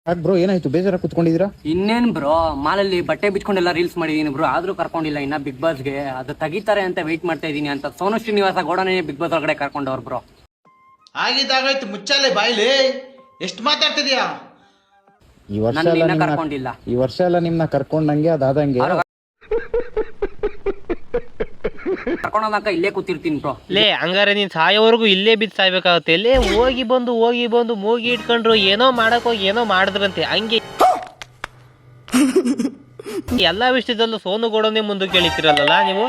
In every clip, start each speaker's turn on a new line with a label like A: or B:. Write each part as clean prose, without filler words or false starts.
A: ಯಾಕೆ ಬ್ರೋ ಏನಾಯ್ತು ಬೇಜಾರ ಕುತ್ಕೊಂಡಿದ್ದೀರಾ?
B: ಇನ್ನೇನ್ ಬ್ರೋ, ಮಾಲಲ್ಲಿ ಬಟ್ಟೆ ಬಿಚ್ಕೊಂಡೆಲ್ಲ ರೀಲ್ಸ್ ಮಾಡಿದೀನಿ ಬ್ರೋ, ಆದ್ರೂ ಕರ್ಕೊಂಡಿಲ್ಲ ಇನ್ನ ಬಿಗ್ ಬಾಸ್ಗೆ. ಅದು ತೆಗಿತಾರೆ ಅಂತ ವೆಯ್ಟ್ ಮಾಡ್ತಾ ಇದೀನಿ ಅಂತ ಸೋನು ಶ್ರೀನಿವಾಸ ಗೌಡನೇ ಬಿಗ್ ಬಾಸ್ ಒಳಗಡೆ ಕರ್ಕೊಂಡವ್ರು ಬ್ರೋ.
C: ಆಗಿದ್ದಾಗಾಯ್ತು, ಮುಚ್ಚಾಲೆ ಬಾಯ್ಲಿ, ಎಷ್ಟು ಮಾತಾಡ್ತಿದ್ಯಾ?
A: ಈ ವರ್ಷ ಎಲ್ಲ ನಿಮ್ನ ಕರ್ಕೊಂಡಂಗೆ ಅದಾದಂಗೆ
B: ಕರ್ಕೊಂಡೋದಕ್ಕ ಇಲ್ಲೇ ಕೂತಿರ್ತೀನಿ ಬ್ರೋ.
D: ಲೇ ಹಂಗಾರೆ ನೀನ್ ಸಾಯೋವರೆಗೂ ಇಲ್ಲೇ ಬಿದ್ದು ಸಾಯ್ಬೇಕಾಗತ್ತೆ. ಲೇ ಹೋಗಿ ಬಂದು ಮೂಗಿ ಇಟ್ಕೊಂಡ್ರು ಏನೋ ಮಾಡಕ್ ಹೋಗಿ ಏನೋ ಮಾಡಿದ್ರಂತೆ. ಹಂಗೆ ಎಲ್ಲಾ ವಿಷಯದಲ್ಲೂ ಸೋನು ಗೌಡನೇ ಮುಂದಕ್ಕೆ ಕೇಳಿತಿರಲ್ಲ ನೀವು.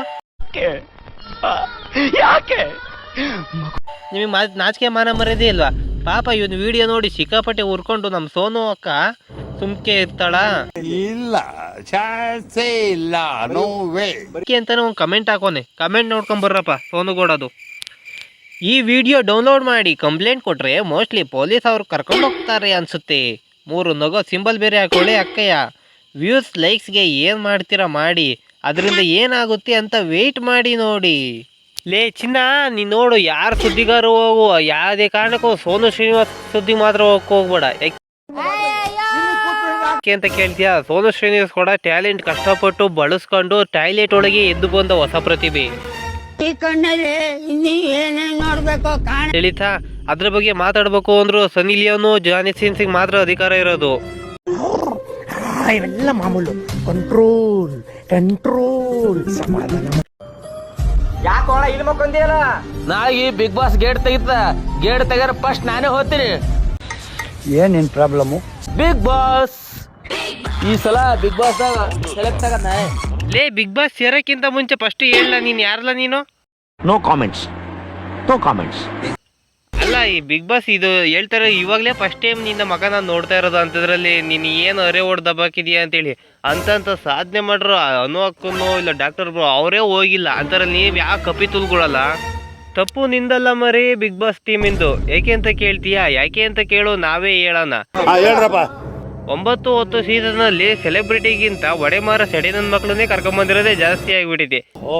D: ನಿಮಗೆ ನಾಚಿಕೆ ಮಾನ ಮರ್ಯಾದೆ ಇಲ್ವಾ? ಪಾಪ ಇವನ್ ವಿಡಿಯೋ ನೋಡಿ ಸಿಕ್ಕಾಪಟ್ಟೆ ಉರ್ಕೊಂಡು ನಮ್ ಸೋನು ಅಕ್ಕ ಸುಮ್ಕೆ ಇರ್ತಾಳ?
E: ಇಲ್ಲ, ಚಾನ್ಸೇ ಇಲ್ಲ, ನೋ ವೇ
D: ಅಂತಾನೆ ಒಂದು ಕಮೆಂಟ್ ಹಾಕೋನೆ. ಕಮೆಂಟ್ ನೋಡ್ಕೊಂಡ್ ಬರ್ರಪ್ಪ ಸೋನು ಗೌಡದು. ಈ ವಿಡಿಯೋ ಡೌನ್ಲೋಡ್ ಮಾಡಿ ಕಂಪ್ಲೇಂಟ್ ಕೊಟ್ರೆ ಮೋಸ್ಟ್ಲಿ ಪೊಲೀಸ್ ಅವ್ರು ಕರ್ಕೊಂಡು ಹೋಗ್ತಾರೆ ಅನ್ಸುತ್ತೆ. 3 ನಗೋ ಸಿಂಬಲ್ ಬೇರೆ ಹಾಕೊಳ್ಳಿ ಅಕ್ಕಯ್ಯ. ವ್ಯೂಸ್ ಲೈಕ್ಸ್ಗೆ ಏನು ಮಾಡ್ತೀರಾ ಮಾಡಿ, ಅದರಿಂದ ಏನಾಗುತ್ತೆ ಅಂತ ವೆಯ್ಟ್ ಮಾಡಿ ನೋಡಿ. ಲೇ ಚಿನ್ನ, ನೀನು ನೋಡು, ಯಾರು ಸುದ್ದಿಗಾರು ಹೋಗು, ಯಾವುದೇ ಕಾರಣಕ್ಕೂ ಸೋನು ಶ್ರೀನಿವಾಸ್ ಸುದ್ದಿ ಮಾತ್ರ ಹೋಗ್ಬೇಡ. ಯಾಕೆ ಅಂತ ಕೇಳ್ತೀಯಾ? ಸೋನು ಶ್ರೀನಿವಾಸ್ ಕೂಡ ಟ್ಯಾಲೆಂಟ್ ಕಷ್ಟಪಟ್ಟು ಬಳಸ್ಕೊಂಡು ಟಾಯ್ಲೆಟ್ ಒಳಗೆ ಎದ್ದು ಬಂದ ಹೊಸ ಪ್ರತಿಭೆ. ತಿಳಿತಾ? ಅದ್ರ ಬಗ್ಗೆ ಮಾತಾಡ್ಬೇಕು ಅಂದ್ರು ಸನ್ನಿ ಲಿಯೋನು ಜಾನಿ ಸಿನ್ಸಿಗೆ ಮಾತ್ರ ಅಧಿಕಾರ ಇರೋದು.
F: ಇವೆಲ್ಲ ಮಾಮೂಲು. ಕಂಟ್ರೋಲ್ ಸಮಾಧಾನ.
G: ಯಾಕೋಣ ಇಲ್ಲಿ ಮಕ್ಕೊಂದಿಯಲ್ಲ? ನಾಳೆ ಬಿಗ್ ಬಾಸ್ ಗೇಟ್ ತೆಗ್ಯಾರ ಫಸ್ಟ್ ನಾನೇ ಹೋಗ್ತೀನಿ.
F: ಏನೇನ್ ಪ್ರಾಬ್ಲಮ್?
G: ಬಿಗ್ ಬಾಸ್ ಈ ಸಲ ಬಿಗ್ ಬಾಸ್ ಸೆಲೆಕ್ಟ್ ಆಗದ.
D: ಲೇ ಬಿಗ್ ಬಾಸ್ ಸೇರಕ್ಕಿಂತ ಮುಂಚೆ ಫಸ್ಟ್ ಹೇಳ, ನೀನ್ ಯಾರಲ್ಲ ನೀನು?
E: No comments.
D: ಅಲ್ಲ, ಈ ಬಿಗ್ ಬಾಸ್ ಇದು ಹೇಳ್ತಾರೆ ಇವಾಗಲೇ ಫಸ್ಟ್ ಟೈಮ್ ನಿನ್ನ ಮಗ ನಾನು ನೋಡ್ತಾ ಇರೋದು ಅಂತದ್ರಲ್ಲಿ ನೀನು ಏನು ಅರೆ ಓಡ್ ದಬ್ಬಾಕಿದೀಯ ಅಂತೇಳಿ ಅಂತ ಸಾಧನೆ ಮಾಡ್ರು ಅನು ಅಕ್ಕನೋ ಇಲ್ಲ ಡಾಕ್ಟರ್ ಬ್ರೋ ಅವರೇ ಹೋಗಿಲ್ಲ ಅಂತಾರಲ್ಲಿ ನೀವು ಯಾಕೆ ಕಪಿ ತುಲ್ಕೊಳಲ್ಲ? ತಪ್ಪು ನಿಂದಲ್ಲ ಮರಿ ಬಿಗ್ ಬಾಸ್ ಟೀಮಿಂದು. ಯಾಕೆ ಅಂತ ಕೇಳ್ತೀಯಾ? ಯಾಕೆ ಅಂತ ಕೇಳು, ನಾವೇ ಹೇಳೋಣ. 9-10 ಸೀಸನ್ನಲ್ಲಿ ಸೆಲೆಬ್ರಿಟಿಗಿಂತ ಒಡೆಮಾರ ಸೆಡೆ ನನ್ನ ಮಕ್ಕಳನ್ನೇ ಕರ್ಕೊಂಬಂದಿರೋದೇ ಜಾಸ್ತಿ ಆಗಿಬಿಟ್ಟಿದೆ.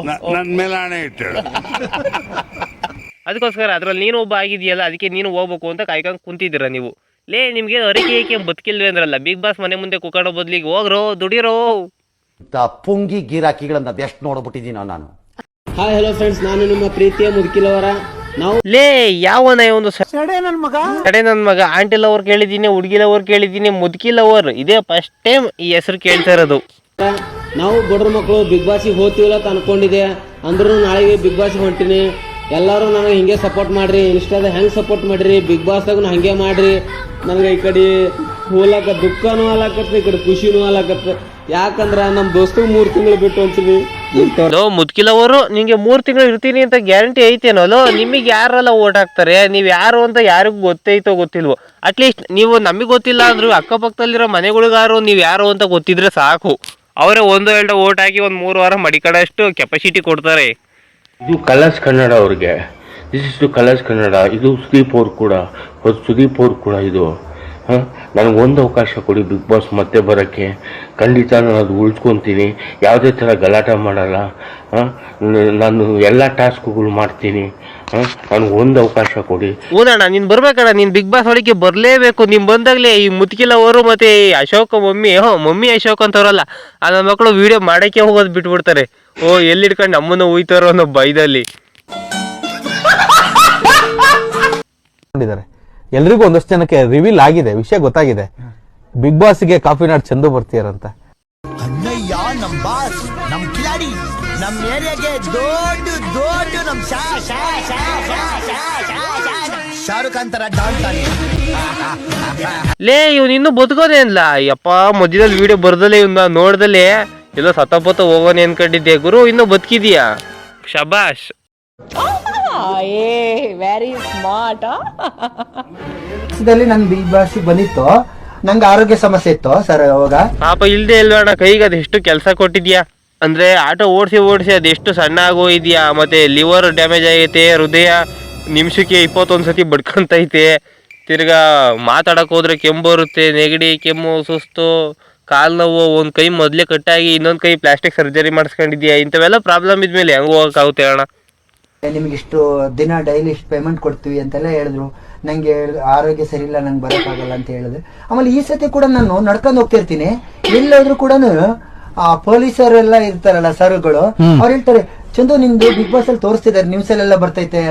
D: ಅದಕ್ಕೋಸ್ಕರ ಅದ್ರಲ್ಲಿ ನೀನು ಒಬ್ಬ ಆಗಿದೆಯಲ್ಲ, ಅದಕ್ಕೆ ನೀನು ಹೋಗ್ಬೇಕು ಅಂತ ಕಾಯ್ಕೊಂಡು ಕುಂತಿದ್ದೀರ ನೀವು. ಲೇ ನಿಮ್ಗೆ ಅರಿಕೆ ಏಕೆ ಬದುಕಿಲ್ವೇ ಅಂದ್ರಲ್ಲ, ಬಿಗ್ ಬಾಸ್ ಮನೆ ಮುಂದೆ ಕುಕ್ಕಡೋ ಬದ್ಲಿಗೆ ಹೋಗ್ರೋ ದುಡಿರೋ.
H: ಪುಂಗಿ ಗಿರಾಕಿಗಳನ್ನ ಅದೆಷ್ಟು ನೋಡ್ಬಿಟ್ಟಿದ್ದೀನೋ ನಾನು.
G: ಹಾಯ್ ಹಲೋ ಫ್ರೆಂಡ್ಸ್, ನಾನು ನಿಮ್ಮ ಪ್ರೀತಿಯ ಮುದುಕಿಲವರ. ನಾವು
D: ಲೇ ಯಾವನ ಒಂದು ಸಡೆ ನನ್ನ ಮಗ ಆಂಟಿ ಲವರ್ ಕೇಳಿದ್ದೀನಿ, ಹುಡುಗಿ ಲವರ್ ಕೇಳಿದ್ದೀನಿ, ಮುದುಕಿ ಲವರ್ ಇದೇ ಫಸ್ಟ್ ಟೈಮ್ ಈ ಹೆಸರು ಕೇಳ್ತಾ ಇರೋದು.
G: ನಾವು ಬಡ್ರ ಮಕ್ಕಳು ಬಿಗ್ ಬಾಸಿಗೆ ಹೋಗ್ತೀವಲ್ಲ ಅಂತ ಅನ್ಕೊಂಡಿದ್ದೆ. ಅಂದ್ರೂ ನಾಳೆಗೆ ಬಿಗ್ ಬಾಸಿಗೆ ಹೊಂಟಿನಿ. ಎಲ್ಲರೂ ನನಗೆ ಹಿಂಗೆ ಸಪೋರ್ಟ್ ಮಾಡ್ರಿ, ಇನ್ಸ್ಟಾದ ಹೆಂಗೆ ಸಪೋರ್ಟ್ ಮಾಡ್ರಿ, ಬಿಗ್ ಬಾಸ್ದಾಗ ಹಂಗೆ ಮಾಡ್ರಿ. ನನಗೆ ಈ ಕಡೆ ಹೋಲಕ ದುಃಖನೂ ಆಲಕತ್ತ, ಈ ಕಡೆ ಖುಷಿನೂ ಆಲಕತ್ತ. ಯಾಕಂದ್ರೆ ನಮ್ಮ ದೋಸ್ತಿಗೆ 3 ತಿಂಗಳು ಬಿಟ್ಟು ಅಂತೀವಿ.
D: ಮುದ್ಕಿಲವರು ನಿಂಗೆ 3 ತಿಂಗಳು ಇರ್ತೀನಿ ಅಂತ ಗ್ಯಾರಂಟಿ ಐತೇನೋ? ನಿಮಗೆ ಯಾರೆಲ್ಲ ಓಟ್ ಹಾಕ್ತಾರೆ? ನೀವು ಯಾರು ಅಂತ ಯಾರಿಗೂ ಗೊತ್ತೈತೋ ಗೊತ್ತಿಲ್ವೋ? ಅಟ್ಲೀಸ್ಟ್ ನೀವು ನಮಗೆ ಗೊತ್ತಿಲ್ಲ ಅಂದ್ರು ಅಕ್ಕಪಕ್ಕದಲ್ಲಿರೋ ಮನೆಗಳಿಗಾರು ನೀವು ಯಾರು ಅಂತ ಗೊತ್ತಿದ್ರೆ ಸಾಕು. ಅವರೇ 1-2 ಓಟ್ ಹಾಕಿ ಒಂದು 3 ವಾರ ಮಡಿಕಡಷ್ಟು ಕೆಪಾಸಿಟಿ ಕೊಡ್ತಾರೆ.
I: ಇದು ಕಲರ್ಸ್ ಕನ್ನಡ ಅವ್ರಿಗೆ. This is to Colors Kannada. ಇದು ಸುದೀಪ್ ಅವ್ರು ಕೂಡ ಇದು. ನನಗೊಂದು ಅವಕಾಶ ಕೊಡಿ ಬಿಗ್ ಬಾಸ್ ಮತ್ತೆ ಬರೋಕ್ಕೆ. ಖಂಡಿತ ನಾನು ಅದು ಉಳಿಸ್ಕೊತೀನಿ. ಯಾವುದೇ ಥರ ಗಲಾಟೆ ಮಾಡಲ್ಲ. ನಾನು ಎಲ್ಲ ಟಾಸ್ಕ್ಗಳು ಮಾಡ್ತೀನಿ. ನನಗೊಂದು ಅವಕಾಶ ಕೊಡಿ.
D: ಹೂನಣ್ಣ, ನೀನು ಬರ್ಬೇಕಣ್ಣ. ನೀನು ಬಿಗ್ ಬಾಸ್ ಒಳಗೆ ಬರಲೇಬೇಕು. ನೀನು ಬಂದಾಗಲೇ ಈ ಮುತ್ಕಿಲ್ ಅವರು ಮತ್ತು ಅಶೋಕ್ ಮಮ್ಮಿ ಅಶೋಕ್ ಅಂತವ್ರಲ್ಲ, ಆ ನನ್ನ ಮಕ್ಕಳು ವಿಡಿಯೋ ಮಾಡೋಕ್ಕೆ ಹೋಗೋದು ಬಿಟ್ಬಿಡ್ತಾರೆ. ಎಲ್ಲಿಡ್ಕೊಂಡು ನಮ್ಮನ್ನು ಹೋಯ್ತಾರೋ ಅನ್ನೋ ಭಯದಲ್ಲಿ.
J: ಎಲ್ರಿಗೂ ಒಂದಷ್ಟು ಜನಕ್ಕೆ ರಿವೀಲ್ ಆಗಿದೆ, ವಿಷಯ ಗೊತ್ತಾಗಿದೆ. ಬಿಗ್ ಬಾಸ್ಗೆ ಕಾಫಿ ನಾಡ್ ಚಂದು ಬರ್ತೀಯಾರಂತ.
F: ಅಣ್ಣಯ್ಯ ನಮ್ ಬಾಸ್, ನಮ್ ಕಿಲಾಡಿ, ನಮ್ ಏರಿಯಾಗೆ ದೊಡ್ಡ ನಮ್ ಶಾರುಖ್ ಅಂತರ ಡಾನ್ಸ್.
D: ಲೇ ಇವನು ಇನ್ನೂ ಬದುಕೋದೇ ಅನ್ಲ. ಯಪ್ಪ ಮಧ್ಯದಲ್ಲಿ ವಿಡಿಯೋ ಬರ್ದಲೇ ಇವನ್ನ ನೋಡ್ದಲೇ ಎಲ್ಲೋ ಸತಪತ ಹೋಗೋನೆ ಅನ್ಕೊಂಡಿದ್ದೆ. ಗುರು ಇನ್ನೂ ಬದುಕಿದೀಯಾ? ಶಬಾಷ್.
K: Very smart.
F: ನನ್ ಬಿಗ್ ಬಾಸ್ ಬಂದಿತ್ತು, ನಂಗೆ ಆರೋಗ್ಯ ಸಮಸ್ಯೆ ಇತ್ತು ಸರ್. ಅವಾಗ
D: ಪಾಪ ಇಲ್ದೇ ಇಲ್ವಣ್ಣ, ಕೈಗೆ ಅದೆಷ್ಟು ಕೆಲಸ ಕೊಟ್ಟಿದ್ಯಾ ಅಂದ್ರೆ ಆಟೋ ಓಡಿಸಿ ಅದೆಷ್ಟು ಸಣ್ಣ ಆಗೋಗಿದ್ಯಾ. ಮತ್ತೆ ಲಿವರ್ ಡ್ಯಾಮೇಜ್ ಆಗೈತೆ, ಹೃದಯ ನಿಮಿಷಕ್ಕೆ 21 ಸತಿ ಬಡ್ಕೊಂತೈತೆ. ತಿರ್ಗಾ ಮಾತಾಡಕ್ ಹೋದ್ರೆ ಕೆಮ್ಮು ಬರುತ್ತೆ, ನೆಗಡಿ, ಕೆಮ್ಮು, ಸುಸ್ತು, ಕಾಲು ನೋವು, ಒಂದು ಕೈ ಮೊದಲೇ ಕಟ್ಟಾಗಿ ಇನ್ನೊಂದು ಕೈ ಪ್ಲಾಸ್ಟಿಕ್ ಸರ್ಜರಿ ಮಾಡಿಸ್ಕೊಂಡಿದ್ಯಾ. ಇಂಥವೆಲ್ಲ ಪ್ರಾಬ್ಲಮ್ ಇದ್ಮೇಲೆ ಹೆಂಗೆ ಹೋಗೋಕ್ಕಾಗುತ್ತೆ ಅಣ್ಣ?
F: ನಿಮ್ಗೆ ಇಷ್ಟು ದಿನ ಡೈಲಿ ಇಷ್ಟು ಪೇಮೆಂಟ್ ಕೊಡ್ತೀವಿ ಅಂತೆಲ್ಲ ಹೇಳಿದ್ರು. ನಂಗೆ ಆರೋಗ್ಯ ಸರಿ ಇಲ್ಲ, ನಂಗೆ ಬರೋಕ್ಕಾಗಲ್ಲ ಅಂತ ಹೇಳಿದೆ. ಆಮೇಲೆ ಈ ಸತಿ ಕೂಡ ನಾನು ನಡ್ಕೊಂಡು ಹೋಗ್ತಿರ್ತೀನಿ, ಎಲ್ಲೋದ್ರು ಕೂಡ ಆ ಪೊಲೀಸರೆಲ್ಲ ಇರ್ತಾರಲ್ಲ ಸರ್ಗಳು, ಅವ್ರು ಹೇಳ್ತಾರೆ ಚಂದು ನಿಂದು ಬಿಗ್ ಬಾಸ್ ಅಲ್ಲಿ ತೋರಿಸ್ತಿದ್ದಾರೆ, ನ್ಯೂಸ್ ಅಲ್ಲೆಲ್ಲ ಬರ್ತೈತೆ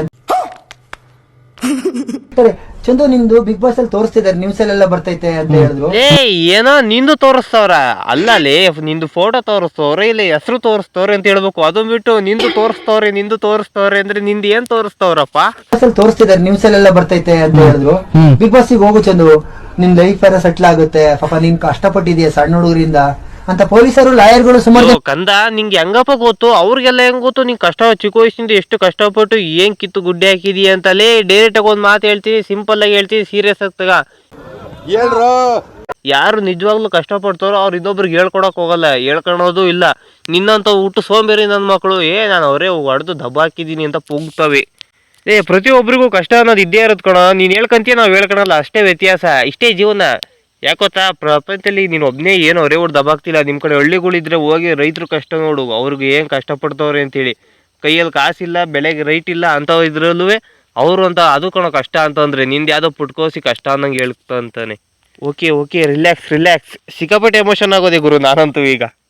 F: ಚಂದು ನಿಂದು ಬಿಗ್ ಬಾಸ್ ಅಲ್ಲಿ ತೋರಿಸ್ತಿದ್ದಾರೆ, ನ್ಯೂಸ್ ಅಲ್ಲೆಲ್ಲ ಬರ್ತೈತೆ ಅಂತ ಹೇಳಿದ್ರು.
D: ಏನೋ ನಿಂದು ತೋರಿಸ್ತವ್ರ ಅಲ್ಲ ನಿಂದು ಫೋಟೋ ತೋರಿಸ್ತವ್ರೆ, ಇಲ್ಲಿ ಹೆಸರು ತೋರಿಸ್ತವ್ರೆ ಅಂತ ಹೇಳ್ಬೇಕು. ಅದು ಬಿಟ್ಟು ನಿಂದು ತೋರಿಸ್ತವ್ರೆ ಅಂದ್ರೆ ನಿಂದು ಏನ್ ತೋರಿಸ್ತವ್ರಪ್ಪ?
F: ತೋರಿಸ್ತಿದ್ದಾರೆ, ನ್ಯೂಸ್ ಅಲ್ಲೆಲ್ಲ ಬರ್ತೈತೆ ಅಂತ ಹೇಳಿದ್ರು. ಬಿಗ್ ಬಾಸ್ ಗೆ ಹೋಗು ಚಂದು, ನಿನ್ ಲೈಫ್ ಎಲ್ಲ ಸೆಟ್ಲ್ ಆಗುತ್ತೆ, ಪಾಪ ನೀನ್ ಕಷ್ಟಪಟ್ಟಿದೀಯ ಸಣ್ಣ ಹುಡುಗರಿಂದ ಅಂತ ಪೊಲೀಸರು ಲಾಯರ್ಗಳು ಸುಮಾರು.
D: ಕಂದ ನಿಂಗೆ ಹೆಂಗಪ್ಪ ಗೊತ್ತು? ಅವ್ರಿಗೆಲ್ಲ ಹೆಂಗ್ ಗೊತ್ತು ನೀನ್ ಕಷ್ಟ ಚಿಕ್ಕ ವಯಸ್ಸಿಂದ ಎಷ್ಟು ಕಷ್ಟಪಟ್ಟು ಏನ್ ಕಿತ್ತು ಗುಡ್ಡೆ ಹಾಕಿದೀಯ ಅಂತಲೇ ಡೈರೆಕ್ಟ್ ಆಗಿ ಒಂದ್ ಮಾತು ಹೇಳ್ತೀನಿ, ಸಿಂಪಲ್ ಆಗಿ ಹೇಳ್ತೀನಿ, ಸೀರಿಯಸ್ ಆಗ್ತಾಗ ಯಾರು ನಿಜವಾಗ್ಲೂ ಕಷ್ಟಪಡ್ತಾರೋ ಅವ್ರು ಇನ್ನೊಬ್ರಿಗೆ ಹೇಳ್ಕೊಡಕ್ ಹೋಗಲ್ಲ, ಹೇಳ್ಕೊಳೋದು ಇಲ್ಲ. ನಿನ್ನಂತ ಹುಟ್ಟು ಸೋಂಬೇರಿ ನನ್ನ ಮಕ್ಕಳು ನಾನು ಅವರೇ ಹೊಡೆದು ದಬ್ಬ ಹಾಕಿದೀನಿ ಅಂತ ಪುಗ್ತವೆ. ಪ್ರತಿಯೊಬ್ಬರಿಗೂ ಕಷ್ಟ ಅನ್ನೋದು ಇದ್ದೇ ಇರೋದು ಕಣ. ನೀನ್ ಹೇಳ್ಕಂತೀಯ ನಾವ್ ಹೇಳ್ಕೊಳಲ್ಲ, ಅಷ್ಟೇ ವ್ಯತ್ಯಾಸ, ಇಷ್ಟೇ ಜೀವನ. ಯಾಕೊತ್ತಾ ಪ್ರಪಂಚದಲ್ಲಿ ನೀನ್ ಒಬ್ನೇ ಏನು ಅವರೇ ಹೊಡೆದು ದಬ್ಬಾಕ್ತಿಲ್ಲ. ನಿಮ್ ಕಡೆ ಹಳ್ಳಿಗಳಿದ್ರೆ ಹೋಗಿ ರೈತರು ಕಷ್ಟ ನೋಡು, ಅವ್ರಿಗೆ ಏನ್ ಕಷ್ಟಪಡ್ತವ್ರೆ ಅಂತೇಳಿ. ಕೈಯಲ್ಲಿ ಕಾಸಿಲ್ಲ, ಬೆಳೆಗೆ ರೈಟ್ ಇಲ್ಲ ಅಂತ ಇದ್ರಲ್ಲೂ ಅವರು ಅಂತ ಅದು ಕಣೋ ಕಷ್ಟ ಅಂತಂದ್ರೆ, ನಿಂದು ಯಾವುದೋ ಪುಟ್ಕೋಸಿ ಕಷ್ಟ ಅನ್ನಂಗೆ ಹೇಳ್ತಾ ಅಂತಾನೆ. ಓಕೆ ರಿಲ್ಯಾಕ್ಸ್, ಸಿಕ್ಕಾಪಟ್ಟೆ ಎಮೋಷನ್ ಆಗೋದೆ ಗುರು ನಾನಂತೂ ಈಗ.